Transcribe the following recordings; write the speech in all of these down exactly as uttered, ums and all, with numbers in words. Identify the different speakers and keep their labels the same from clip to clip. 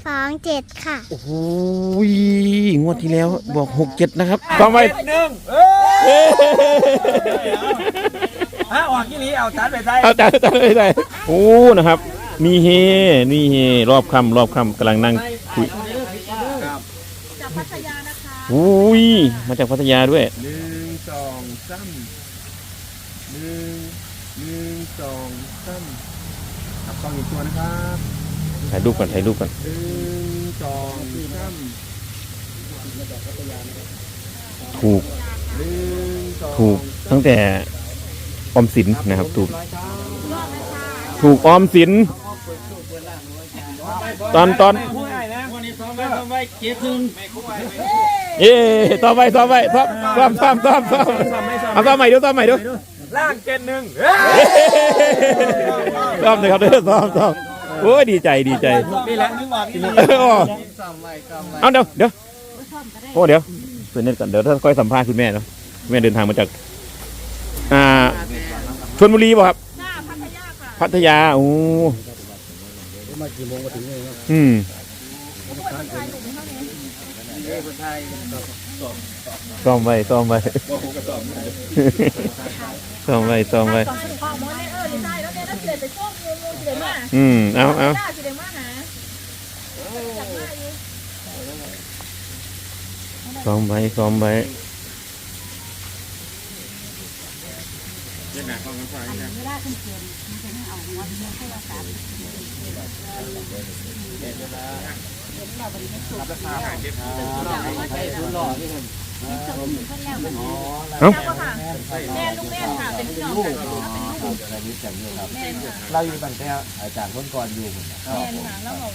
Speaker 1: สองเจ็ดค่ะ
Speaker 2: โอ้โหงวดที่แล้วบอกหกเจ็ดนะครับซ้อมไว้
Speaker 3: หนึ่งเออฮะออกยี่ลีเอาจานไปใส่
Speaker 2: เอาจานจานไปใส่โอ้นะครับมีเฮนี่เฮรอบคำรอบคำกำลังนั่งคุย
Speaker 4: จากพัทยานะคะ
Speaker 2: อุ้ยมาจากพัทยาด้วย
Speaker 3: หนึ่งสองสามหนึ่งหนึ่งสองสามขับกล้องอีกตัวนะครับ
Speaker 2: ถ่ายรูปก่อนถ่ายรูปก่อน
Speaker 3: หนึ่งสองสาม
Speaker 2: ถูก
Speaker 3: หนึ่งสอง
Speaker 2: ถูกตั้งแต่ออมสินนะครับถูกถูกออมสินตอนตอน
Speaker 3: คู่ใหญ่นะวันนี้ซ้อมไว้ซ้อมไว้เกียร์ครึ่งไม่คู่ใหญ่
Speaker 2: เอ๊ต่อไปต่อไปซ้อมซ้อมซ้อมซ้อมซ้อมเอาซ้อมใหม่ดูซ้อมใหม่ดู
Speaker 3: ล่างเจ็ดหนึ่ง
Speaker 2: ซ้อมเลยครับเด้อซ้อมซ้อมโอ้ยดีใจดีใจ
Speaker 3: นี่แหละนึกว่าที่นี่
Speaker 2: เอาเดี๋ยวเดี๋ยวโอ้เดี๋ยวเพื่อนเน็ตก่อนเดี๋ยวถ้าค่อยสัมภาษณ์คุณแม่เนาะแม่เดินทางมาจากอ่าชลบุรีป่ะครับ
Speaker 4: หน้าพัทยาค่ะ
Speaker 2: พัทยาโอ้อืมซ้อมไว้ซ้อมไว้ซ้อมไว้ซ้อมไว้
Speaker 4: สองข้อมูลในเออได้แล้วเนี่ยถ้าเกิดไปช่วงงูงูสิเดมา
Speaker 2: อืมเอาเอา
Speaker 4: ได้สิเดมาหา
Speaker 2: ซ้อมไว้ซ้อมไว้เอ้า
Speaker 4: แม่ลูกแม่ค่ะเป็นพี่น้องกันแม่ค่ะ
Speaker 3: เราอยู่ตั้งแต่อาจารย์คนก่อนอยู่
Speaker 4: แม่ค่ะแล้วเรา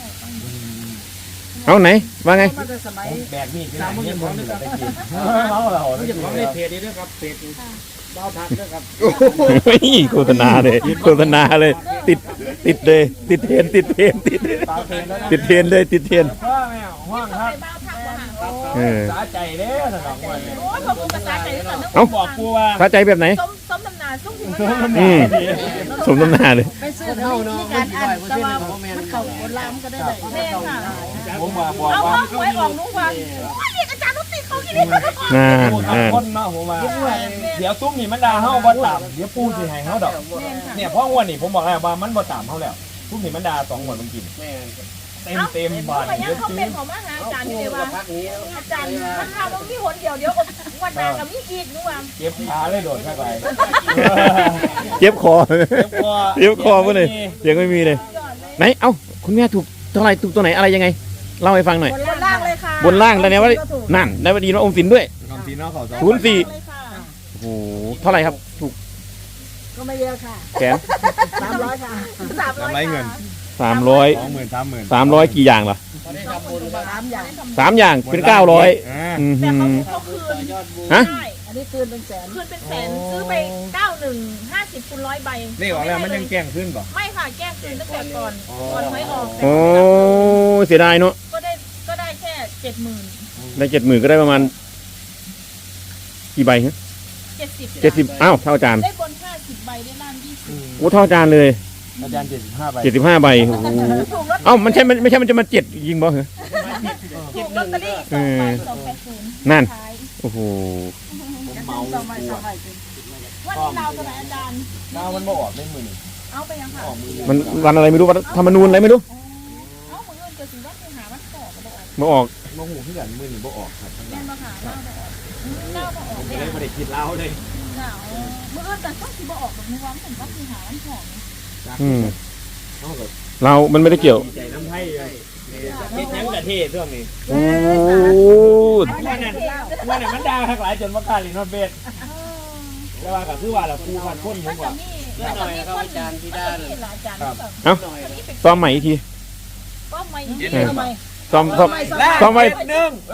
Speaker 2: เอาไหนว่าไง
Speaker 3: แบกมีดสามคนของนี่ไปกินเขาเราไม่ใช่ของในเพจนี้ด้วยครับเพจบ้าพักด้วยครับ
Speaker 2: โฆษณาเลยโฆษณาเลยติดติดเลยติดเทรนติดเทรนติดติดเทรนเลยติดเทรน
Speaker 3: ว่าแมวว่างครับ
Speaker 4: บ้าทักว่าหา
Speaker 2: เออ
Speaker 3: สาใจเด้อสนองวัน
Speaker 4: โอ้ยพอกูภาษาใจก่อนนะ
Speaker 2: เอ้า
Speaker 3: บอกกูว่า
Speaker 2: สะใจแบบไหน
Speaker 4: ส้มส้มตำนานส้มหิมะ
Speaker 2: อืมสมน้ำหน้าเลย
Speaker 4: ไปซื้อเท่าเนาะการอ่านแต่ว่ามันเข้าโบราณก็ได้เลยแม่ค่ะ
Speaker 3: ผมมาบอก
Speaker 4: เอา
Speaker 3: ว่า
Speaker 4: เอาหวยออกนุ่งวันว่าเด็กอาจารย์นุติเขาที่นี่
Speaker 2: งานงาน
Speaker 3: คนเนาะผมว่าเดี๋ยวตุ้มนี่มันด่าเฮาบ่ต่ำเดี๋ยวปูสิให้เฮาดอกเนี่ยเพราะวันนี้ผมบอกแล้วว่ามันบ่ต่ำเฮาแล้วตุ้มนี่มันด่าสองหมดมันกินเต็มเต็มบาท
Speaker 4: เยอะเขาเป็นของมหาอาจารย์นี่เลยว่าอาจารย์มันทำต้องที่หนเดียวเดี๋ยววันนากับมีอีกนู่น
Speaker 3: เก็บขาเลยโดดเข้าไป
Speaker 2: เจ็บคอ
Speaker 3: เก็บคอ
Speaker 2: เจ็บคอเพื่อนเลยยังไม่มีเลยไหนเอ้าคุณแม่ถูกเท่าไหร่ถูกตัวไหนอะไรยังไงเล่าให้ฟังหน่อย
Speaker 4: บนล่างเลยค่ะ
Speaker 2: บนล่างแล้วเนี่ยว่านั่นได้มาดีนะอมสินด้วย
Speaker 3: คำสีนอกเขาสอง
Speaker 2: ศูนย์สี่โอ้โหเท่าไหร่ครับถูก
Speaker 4: ก็ไม่เยอะค่ะ
Speaker 2: แสน
Speaker 4: สามร้อยค่ะสามร้อยเงิน
Speaker 2: สามร้อย
Speaker 3: สองหมื่นสามหมื่น
Speaker 2: สามร้อยกี่อย่างล่ะ
Speaker 4: สามอย่าง
Speaker 2: สามอย่างเป็นเก้าร้อยอืม
Speaker 4: แต่เขาเขาคืน
Speaker 2: ฮะ
Speaker 4: อันนี้คืนเป็นแสนคืนเป็นแสนซื้อไปเก้าหนึ่งห้าสิบคูณร้อยใบ
Speaker 3: นี่ออกแล้วมันยังแกล้งขึ้นป่ะ
Speaker 4: ไม่ค่ะแก้คืนตั้งแต่ก่อนก่อนหวยออก
Speaker 2: โอ้เสียดายเนาะ
Speaker 4: ก็ได้ก็ได้แค่เจ็ดหมื่น
Speaker 2: ได้เจ็ดหมื่นก็ได้ประมาณกี่ใบฮะ
Speaker 4: เจ็ดสิบ
Speaker 2: เจ็ดสิบอ้าวเท่าอาจารย์
Speaker 4: ได้บนห้าสิบใบได้ล่างยี่สิบ
Speaker 2: โอ้เท่าอาจารย์เลย
Speaker 3: อาจารย์เจ็ดสิบห้าใบ
Speaker 2: เจ็ดสิบห้าใบโอ้โห
Speaker 4: ถูกลอต
Speaker 2: เอ้ามันใช่มันไม่ใช่มันจะมาเจ็ดยิงบ่เหรอ
Speaker 4: ถูกลอตเตอรี่สองใบสองแปดศูนย์
Speaker 2: นั่น
Speaker 4: ขาย
Speaker 2: โอ้โห
Speaker 4: สองใบสองใบวันนี้เราจะไหนอาจารย์
Speaker 3: ดาวมันบ่ออกได้หมื่น
Speaker 4: เอาไปยังค่ะ
Speaker 2: มันวันอะไรไม่รู้วันธรรมนูญอะไรไม่รู้
Speaker 4: เอาเหมือนเงินเกิดสิว่าคือหามันต่อกันเลย
Speaker 2: มาออก
Speaker 3: บ่หูที่กันหมื่นบ่ออกครับ
Speaker 4: แม่มาหาเราแต่เก้ามาออก
Speaker 3: ไม่
Speaker 4: เนี่ย
Speaker 3: ได้ไม่ได้คิดเล่าเลย
Speaker 4: หนาวเมื่อเอิญแต่ต้องสิบออกแบบนี้ว่าเหมือนว่าคือหามันหอม
Speaker 2: อืมเรามันไม่ได้เกี่ยว
Speaker 3: ใจน้ำไทยเลยเฮ็ดยังกะเทศช่วงนี้
Speaker 2: โอ้
Speaker 3: วันนั้นวันนั้นมันด่าทั้งหลายจนว่ากล้าลินฮอดเบสแต่ว่าก็คือว่าล่ะครูพันคนผมว่า
Speaker 4: นี่หน่อยครับอาจารย์ที่ด้านอาจารย์
Speaker 2: เอ้าซ้อมใหม่อีกที
Speaker 4: ก็ไม่ยืนทำไม
Speaker 2: ซ้อมซ้อมซ้อมไว้
Speaker 3: หนึ่งเอ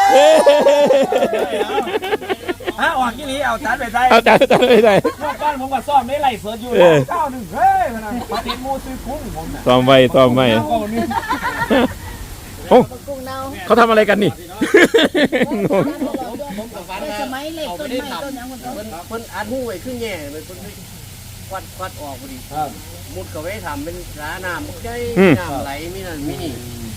Speaker 3: ฮะออกยี่ลีเอาจานไปใส่
Speaker 2: เอาจานจานไปใส่
Speaker 3: เมื่อก่อนผมก็ซ่อมได้ไล่เฟิร์สอยู่เก้าหนึ่งเฮ้ยมันมาติดมูซื้อคุ้งผมน่ะ
Speaker 2: ซ้อมไว้ซ้อมไว้โอ้เขาทำอะไรกันนี่งง
Speaker 4: สมัยเล็กต้นไม้ต้นยังคนต้น
Speaker 5: คนอัดหูไว้ขึ้นแง่เลยคนควัดควัดออกพอดีมุดเข้าไปทำเป็นร้านน้ำใช่น้ำไหลมีนั่นมีนี่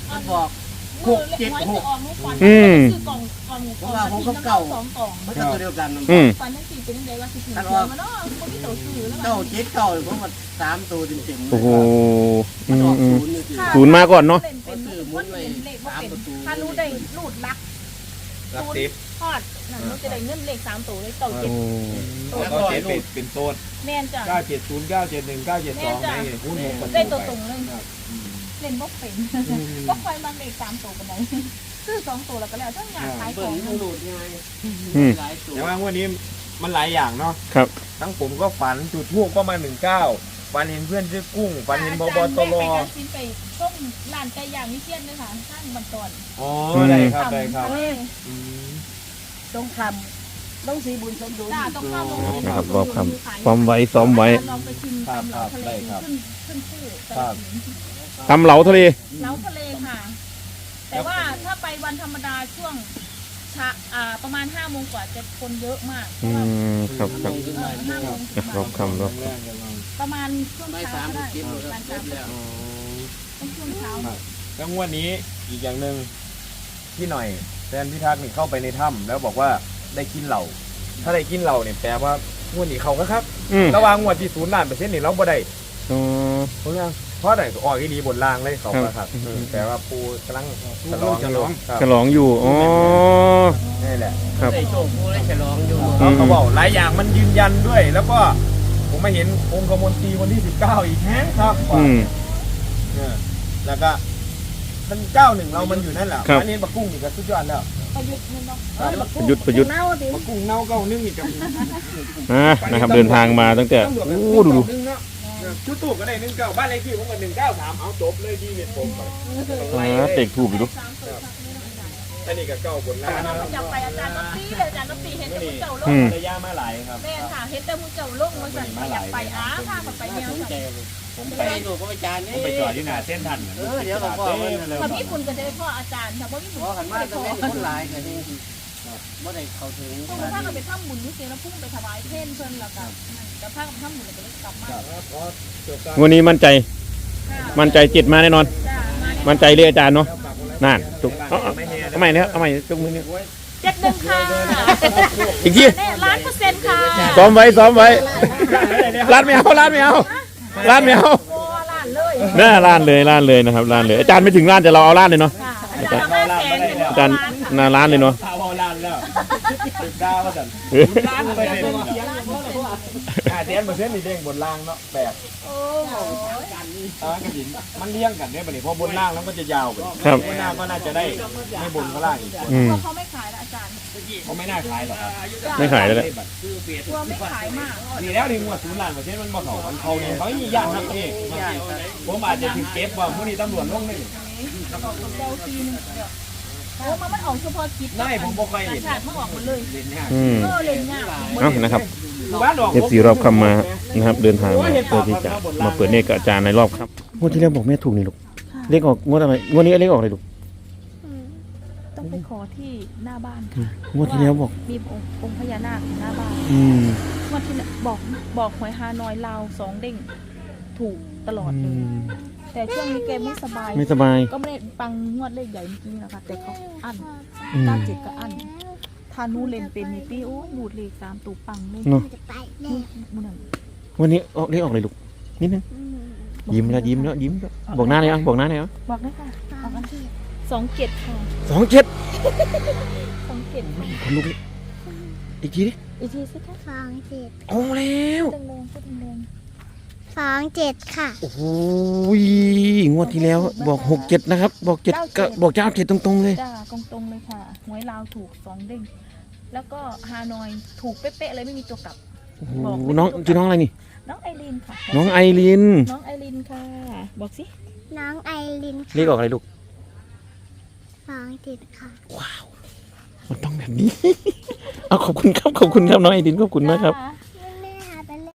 Speaker 5: มันบอกหกเจ็ดหก
Speaker 2: อืม
Speaker 4: กล่องกล่องกล่อง
Speaker 5: ว่าผมก็เก่า
Speaker 4: สองกล่อง
Speaker 5: มันก็ตัวเดียวกัน
Speaker 2: อืม
Speaker 4: ฟันทั้งสี่เป็นยังไงว่าสิถือมาเนาะคนที่ต่อซื้อแล้ว
Speaker 5: เก้าเจ็ดเก้าผมว่าสามตัวเต็มๆ
Speaker 2: โอ้โห
Speaker 5: มั
Speaker 2: อื
Speaker 5: นอ
Speaker 2: ม
Speaker 5: อก
Speaker 2: อื
Speaker 5: ศู
Speaker 2: ม
Speaker 5: นย์นี่สิ
Speaker 2: ศูนย์มาก่อนเนาะ
Speaker 4: เป็นเป็นคนเห็นเลขว่าเป็นถ้ารู้ได้รูดลัก
Speaker 3: รักทิพย์
Speaker 4: ทอดนั่นรู้จะได้เงินเลขสามตัวเลยเก่าเจ็ด
Speaker 3: แล้วก็เจ็ดเป็นเป็นโซน
Speaker 4: แม่นจ้ะ
Speaker 3: เก้าเจ็ดศูนย์เก้าเจ็ดหนึ่งเก้าเจ็ดสองได้ไงหุ้นหก
Speaker 4: ได้ตัวตรงเลยเล่นบ่เป็นบ่ค่อยมาเลขสามตัวกันไหนซื้อสองตัวแล้วก็แล้วทั้งงานขายข
Speaker 5: เบิ่
Speaker 4: อง ง
Speaker 5: มันหลุดไง
Speaker 2: อืม
Speaker 5: หลายตัว
Speaker 3: แต่ว่าวันนี้มันหลายอย่างเนาะ
Speaker 2: ครับ
Speaker 3: ทั้งผมก็ฝันจุดทูบก็มาหนึ่งเก้าฝันเห็นเพื่อนชื่อกุ้งฝันเห็นบอบตร
Speaker 4: ไปการซินไปช่วงร้านไก่ย่างวิเชียนเลยค่ะท่านบันตอน
Speaker 3: อ๋อได้ครับได้ครับอืม
Speaker 5: ต้องคำต้องสีบุญสมดุล
Speaker 4: จ้าต้องเข้าโรงเรียน
Speaker 2: นะครับรอบคำซ้อมไว้ซ้อมไว้
Speaker 4: ลองไปชิมตำเหลาทะเลขึ้นขึ้นชื่อ
Speaker 2: ตำเหลาทะเล
Speaker 4: เหลาทะเลค่ะ แต่ว่าถ้าไปวันธรรมดาช่วงชะอ่าประมาณห้าโมงกว่าจะคนเยอะมาก
Speaker 2: อืมครับครับ
Speaker 4: เออห้าโมง
Speaker 2: รอบคำรอบ
Speaker 3: แรกๆกันมา
Speaker 4: ประมาณช่วง
Speaker 5: ไม่
Speaker 4: เช้า
Speaker 5: สาม
Speaker 4: ก็
Speaker 5: สิบ
Speaker 4: ได้
Speaker 5: เจ็ด
Speaker 4: ประมาณ
Speaker 5: แล้ว
Speaker 4: ต้องช่วงเช้า
Speaker 3: แล้วงวดนี้อีกอย่างหนึ่งพี่หน่อยแฟนพิทักษ์นี่เข้าไปในถ้ำแล้วบอกว่าได้กินเหล่าถ้าได้กินเหล่าเนี่ยแปลว่างวดนี้เขาก็ครับ
Speaker 2: อืม
Speaker 3: ระหว่างงวดที่ศูนย์ล้านเปอร์เซ็นต์นี่เราบ่ได้
Speaker 2: อ๋อ
Speaker 3: เพราะว่าเพราะไหนออกอีดีบนล่างเลยเขาก็ครับ
Speaker 2: ครับ
Speaker 3: เออแต่ว่าปูกำลังฉลองฉลองครับ
Speaker 2: ฉลองอยู่ อ๋อ
Speaker 3: นี่แหละ
Speaker 2: ครับ
Speaker 5: ได้โชคผู้ได้ฉลองอยู่
Speaker 3: เขาเขาบอกหลายอย่างมันยืนยันด้วย แล้วก็ผมมาเห็นองค์กมลตรีวันที่สิบเก้าอีกแฮะครับ
Speaker 2: อืม
Speaker 3: เนี่ยแล้วก็มันเก้าหนึ่งเรามันอยู่นั่นแหละ
Speaker 2: ครับ
Speaker 3: อันนี้ปลากุ้งนี่ก็สุดยอดแล้ว
Speaker 4: ประยุทธ์นี่เนาะ
Speaker 2: ประยุทธ์ประยุทธ์
Speaker 4: เน่าดิ
Speaker 3: ปลากุ้งเน่าเก้านึ่งอีกกับ
Speaker 2: อ่านะครับ เดินทางมาตั้งแต่
Speaker 3: ตำรวจ
Speaker 2: โอ้ดูดู
Speaker 3: นึ่งเนาะชุดตู้ก็ได้หนึ่งเก้าบ้านเลขที่ผมก็หนึ่งเก้าสามเอาจบเลยดีเม็ดผมไป
Speaker 2: อ่าเตะถูกอยู่ดู
Speaker 4: สามตัวครับนี่อาจารย์
Speaker 3: อันนี้ก็เก้าบนล่าง
Speaker 4: เราไปจับไปอาจารย์ก็ตีเลยอาจารย์ก็ตีเห็นแต่ผู้เจ้าลง
Speaker 2: อืม
Speaker 3: ระยะมาหลายครับ
Speaker 4: แม่ค่ะเห็นแต่ผู้เจ้าลงมาสั่นไปอยากไปอ้าพาเขาไปเนี่ย
Speaker 5: สนใจ
Speaker 4: ค่ะ
Speaker 5: เลย
Speaker 3: ผม
Speaker 5: ไป
Speaker 3: ไป
Speaker 5: ดูพระอาจารย์นี่
Speaker 3: ผมไปจอดอยู่หน้าเส้นทัน
Speaker 5: เออเดี๋ยวก็พ่อมัน
Speaker 4: ถ้ามีคุณก็จะได้พ่ออาจารย์ถ้าบ่มีคุณ
Speaker 5: พ่อ
Speaker 4: ก็
Speaker 5: ขัน
Speaker 4: ไม่
Speaker 5: มา
Speaker 4: ได้
Speaker 5: ตรง
Speaker 4: พ่อ
Speaker 5: นี้คนหลายกันนี่บ่ได้เข้าถึง
Speaker 4: ต้องพากันไปทำบุญนี่สิแล้วพุ่งไปถวายเพ่นเพิ่นแล้วก็จะพากันไปทำบุญแล้วก็เลยกลับมา
Speaker 2: วันนี้มั่นใจ มั่นใจจิตมาแน่นอน
Speaker 4: จ้ามา
Speaker 2: มั่นใจเรียกอาจารย์เนาะนั่นถูกเอาเอาเอาใหม่เนี่ยเอาใหม่จุกมือเนี่ย
Speaker 4: เจ็ดหนึ่งค่ะ
Speaker 2: อีกที
Speaker 4: แน่ล้านเปอร์เซ็นต์ค่ะ
Speaker 2: ซ้อมไว้ซ้อมไว้ร้านไม่เอาร้านไม่เอาร้านไม่เอา
Speaker 4: โอ้ล้านเลย
Speaker 2: หน้าร้านเลยร้านเลยนะครับร้านเลยอาจารย์ไม่ถึงร้านแต่เราเอาร้านเลยเนาะ
Speaker 4: ค่ะอาจารย์ห้าแสนเป็น
Speaker 2: อาจารย์หน้าร้านเลยเนาะ
Speaker 3: ข่าวเอาล้านแล้วสิบดาวว่าสันล้านเปอร์เซ็นต์อ่าเต็มเปอร์เซ็นต์นี่เด้งบนล่างเนาะแปลก
Speaker 4: โอ้โห
Speaker 3: อ่ากระดิ่งมันเลี้ยงกันเนี่ยบัดนี้เพราะบนล่างแล้วก็จะยาวไป
Speaker 2: ครับ
Speaker 3: บนล่างก็น่าจะได้ไม่บนก็ล่างอีก
Speaker 2: อืม
Speaker 4: กลัวเขาไม่ขายนะอาจารย์
Speaker 3: เขาไม่น่าขายหรอกครับ
Speaker 2: ไม่ขายแล้วแหละ
Speaker 4: กลัวไม่ขายมาก
Speaker 3: นี่แล้วนี่งวดศูนย์ล้านเปอร์เซ็นต์มันมาเขามันเขาเนี่ยเขาไม่มีญาตินักเองผมอาจจะถึงเก็บว่าผู้นี้ตำรวจลงหนึ่ง
Speaker 4: เดลซีนึงเดี๋ยวโอ้มันมันออกเฉพาะกิจ
Speaker 3: ไม่ผมบ่เคย
Speaker 4: ต่าง
Speaker 3: เห็น
Speaker 4: ชาติมันออกหมดเลย
Speaker 3: เห็นยาก
Speaker 2: อืม
Speaker 4: เออเล่นยาก
Speaker 2: เอ้านะครับ
Speaker 3: บ้านดอก
Speaker 2: เอฟซีรอบคำมานะครับ เดินทางมาเพื่อที่จะมาเปิดเนตรกับอาจารย์ในรอบครับงวดที่แล้วบอกแม่ถูกนี่ลูกเลขออกงวดอะไรงวดนี้เลขออกอะไรลูก
Speaker 4: ต้องไปขอที่หน้าบ้านค่ะ
Speaker 2: งวดที่แล้วบอก
Speaker 4: มีองค์องค์พญานาคอยู่หน้าบ้าน
Speaker 2: อืม
Speaker 4: วันที่บอกบอกหวยฮานอยลาวสองเด้งถูกตลอด
Speaker 2: อื
Speaker 4: เลย
Speaker 2: ม
Speaker 4: แต่ช่วงนี้แกไม่สบาย
Speaker 2: ไม่สบาย
Speaker 4: ก็ไม่ได้ปังงวดเลขใหญ่เมื่อกี้นะคะแต่เขาอั้น
Speaker 2: อืม
Speaker 4: เก้าเจ็ดก็อั้นทานูเลนเป็นนี่ปี้โอ้ยบูดเลขสามตูปังเลย
Speaker 2: เนาะ
Speaker 4: นี่บุญนั่น
Speaker 2: วันนี้ออกเลขออกเลยลูกนิดนึงยิ้มแล้วยิ้มแล้วยิ้มแล้วบอกหน้าเลยอ่ะบอกหน้าเลยอ่ะ
Speaker 4: บอกได้ค่ะบอกกันสองเจ็ดค่ะ
Speaker 2: สองเจ็ด
Speaker 4: สองเจ็ดค่ะ
Speaker 2: คนลุกอีกทีดิ
Speaker 4: อีกทีสิคะ
Speaker 1: สองเจ็ด
Speaker 2: เอาแล้ว
Speaker 4: แรงๆพูดแรง
Speaker 1: สองเจ็ดค่ะ
Speaker 2: โอ้โหงวดที่แล้วบอกหกเจ็ดนะครับ บอกเจ็ดก็บอกเจ้าเจ็ดตรงๆเลย
Speaker 4: ๆจ้าตรงๆเลยค่ะหวยลาวถูกสองเด้งแล้วก็ฮานอยถูกเป๊ะๆเลยไม่มีตัวกลับ
Speaker 2: โอ้โหน้องชื่อน้องอะไรนี่
Speaker 4: น้องไอรีนค่ะ
Speaker 2: น้องไอริน
Speaker 4: น้องไอรีนค่ะ บอกสิ
Speaker 1: น้องไอริน
Speaker 2: เลขออกอะไรลูก
Speaker 1: สองเจ็ดค่ะ
Speaker 2: ว้าว มันต้องแบบนี้ เอาขอบคุณครับขอบคุณครับน้องไอรินขอบคุณมากครับ
Speaker 4: จ้า